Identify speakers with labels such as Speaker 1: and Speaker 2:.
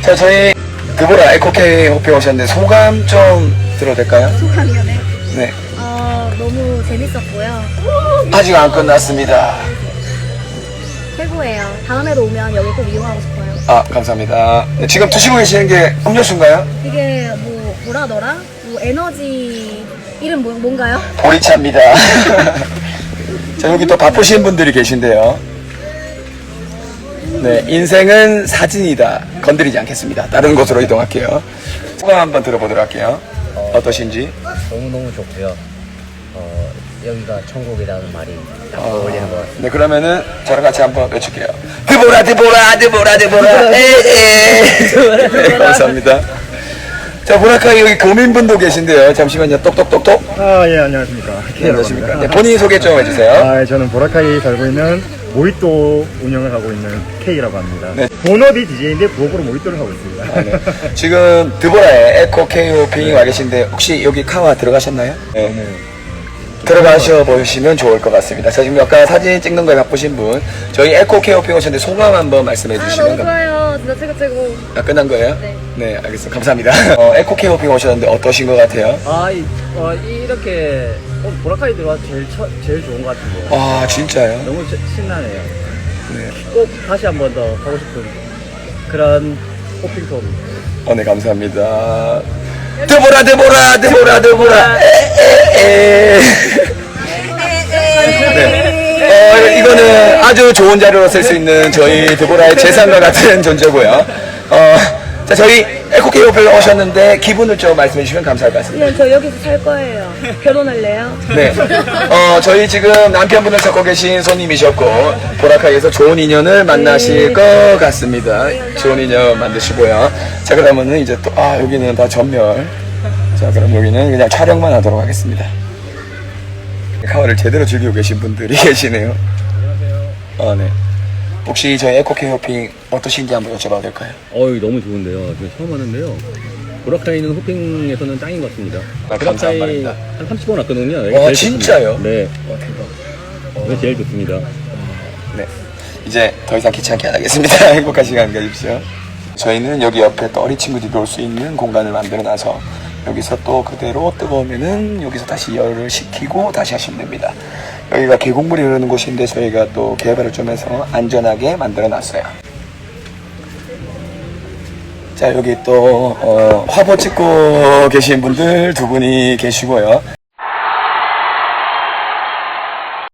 Speaker 1: 자, 저희 드보라 에코케이 호핑 오셨는데 소감 좀 들어도 될까요?
Speaker 2: 소감이요, 네.
Speaker 1: 네.
Speaker 2: 너무 재밌었고요.
Speaker 1: 아직 안 끝났습니다.
Speaker 2: 최고예요. 다음에도 오면 여기 꼭 이용하고 싶어요.
Speaker 1: 아, 감사합니다. 네, 지금 드시고 계시는 게 음료수인가요?
Speaker 2: 이게 뭐라더라? 에너지 이름 뭔가요?
Speaker 1: 보리차입니다. 자, 여기 또 바쁘신 분들이 계신데요. 네, 인생은 사진이다. 건드리지 않겠습니다. 다른 곳으로 이동할게요. 소감 한번 들어보도록 할게요. 어떠신지?
Speaker 3: 너무너무 좋고요. 여기가 천국이라는 말이 딱 어울리는 것 같아요.
Speaker 1: 네, 그러면은 저랑 같이 한번 외칠게요. 드보라, 드보라, 드보라, 드보라, 에에. 네, 감사합니다. 자, 보라카이 여기 교민분도 계신데요. 잠시만요. 똑똑똑똑.
Speaker 4: 예, 안녕하십니까.
Speaker 1: 네, 안녕하십니까. 네, 본인 소개 좀 해주세요.
Speaker 4: 저는 보라카이 살고 있는 모히또 운영을 하고 있는 K라고 합니다.
Speaker 1: 네.
Speaker 4: 본업이 DJ인데 부업으로 모히또를 하고 있습니다.
Speaker 1: 아, 네. 지금 드보라에 에코 케이오핑이 와 계신데 혹시 여기 카와 들어가셨나요? 네. 들어가셔 보시면 좋을 것 같습니다. 자, 지금 아까 사진 찍는 거에 바쁘신 분, 저희 에코 케이오핑 오셨는데 소감 한번 말씀해 주시면.
Speaker 2: 너무 좋아요. 진짜 최고.
Speaker 1: 아, 끝난 거예요?
Speaker 2: 네.
Speaker 1: 네, 알겠습니다. 감사합니다. 에코 케이오핑 오셨는데 어떠신 것 같아요?
Speaker 3: 이렇게 보라카이 들어와서 제일 좋은 것 같은데요.
Speaker 1: 아, 진짜요?
Speaker 3: 너무 신나네요.
Speaker 1: 네.
Speaker 3: 꼭 다시 한 번 더 하고 싶은 그런 호핑 투어.
Speaker 1: 네, 감사합니다. 드보라, 드보라, 드보라, 드보라, 에에에. 네. 이거는 아주 좋은 자료로 쓸 수 있는 저희 드보라의 재산과 같은 존재고요. 자, 저희 에코케이 오페라 오셨는데 기분을 좀 말씀해 주시면 감사할 것 같습니다.
Speaker 2: 그냥 저 여기서 살 거예요. 결혼할래요?
Speaker 1: 네. 저희 지금 남편분을 찾고 계신 손님이셨고, 보라카이에서 좋은 인연을 만나실 것 같습니다. 좋은 인연 만드시고요. 자, 그러면은 이제 또, 여기는 다 전멸. 자, 그럼 여기는 그냥 촬영만 하도록 하겠습니다. 카와를 제대로 즐기고 계신 분들이 계시네요. 안녕하세요. 네. 혹시 저희 에코케이 호핑 어떠신지 한번 여쭤봐도 될까요?
Speaker 5: 너무 좋은데요. 지금 처음 하는데요. 보라카이는 호핑에서는 짱인 것 같습니다.
Speaker 1: 감사한 말입니다.
Speaker 5: 한 30번 왔거든요. 여기가 제일
Speaker 1: 진짜요?
Speaker 5: 좋습니다. 네.
Speaker 1: 대박.
Speaker 5: 여기 제일 좋습니다.
Speaker 1: 네. 이제 더 이상 귀찮게 안 하겠습니다. 행복한 시간 가십시오. 저희는 여기 옆에 또 어린 친구들이 놀 수 있는 공간을 만들어 놔서 여기서 또 그대로 뜨거우면은 여기서 다시 열을 식히고 다시 하시면 됩니다. 여기가 계곡물이 흐르는 곳인데 저희가 또 개발을 좀 해서 안전하게 만들어 놨어요. 자, 여기 또 화보 찍고 계신 분들 두 분이 계시고요.